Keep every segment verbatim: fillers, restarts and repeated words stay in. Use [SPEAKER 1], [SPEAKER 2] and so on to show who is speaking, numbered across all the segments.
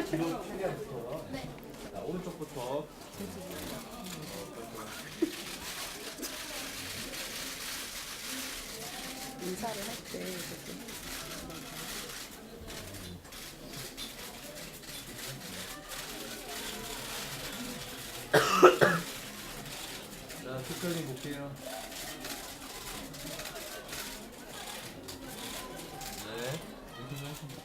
[SPEAKER 1] 뒤로 최대한 붙어요.
[SPEAKER 2] 네.
[SPEAKER 1] 자, 오른쪽부터.
[SPEAKER 3] 인사를 할 때 이렇게
[SPEAKER 1] 자, 특별히 볼게요. 네. 인터뷰 하십니다.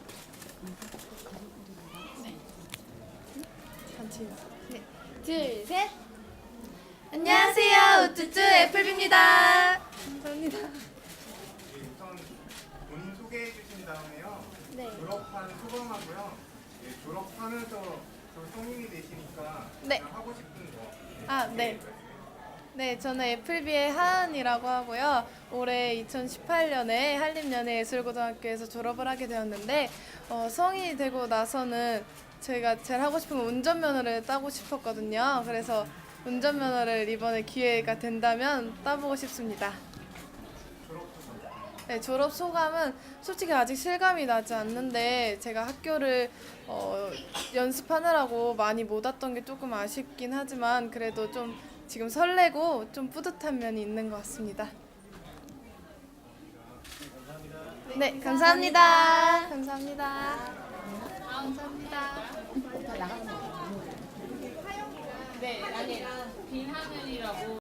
[SPEAKER 3] 같이
[SPEAKER 2] 네. 둘, 셋. 안녕하세요. 우쭈쭈 애플비입니다.
[SPEAKER 3] 감사합니다.
[SPEAKER 4] 네, 우선 본인 소개해 주신 다음에요.
[SPEAKER 2] 네.
[SPEAKER 4] 졸업한 소감하고요. 네, 졸업하면서 또 성인이 되시니까
[SPEAKER 2] 네.
[SPEAKER 4] 가장 하고 싶은 거.
[SPEAKER 2] 아, 네. 네, 저는 애플비의 하은이라고 하고요. 올해 이천십팔 년에 한림연예예술고등학교에서 졸업을 하게 되었는데 어, 성인이 되고 나서는 제가 제일 하고 싶은 건 운전면허를 따고 싶었거든요. 그래서 운전면허를 이번에 기회가 된다면 따보고 싶습니다. 네, 졸업 소감은 솔직히 아직 실감이 나지 않는데 제가 학교를 어, 연습하느라고 많이 못 왔던 게 조금 아쉽긴 하지만 그래도 좀 지금 설레고 좀 뿌듯한 면이 있는 것 같습니다. 네, 감사합니다. 감사합니다. 감사합니다.
[SPEAKER 3] 나가는 거.
[SPEAKER 5] 네, 아니 빈 화면이라고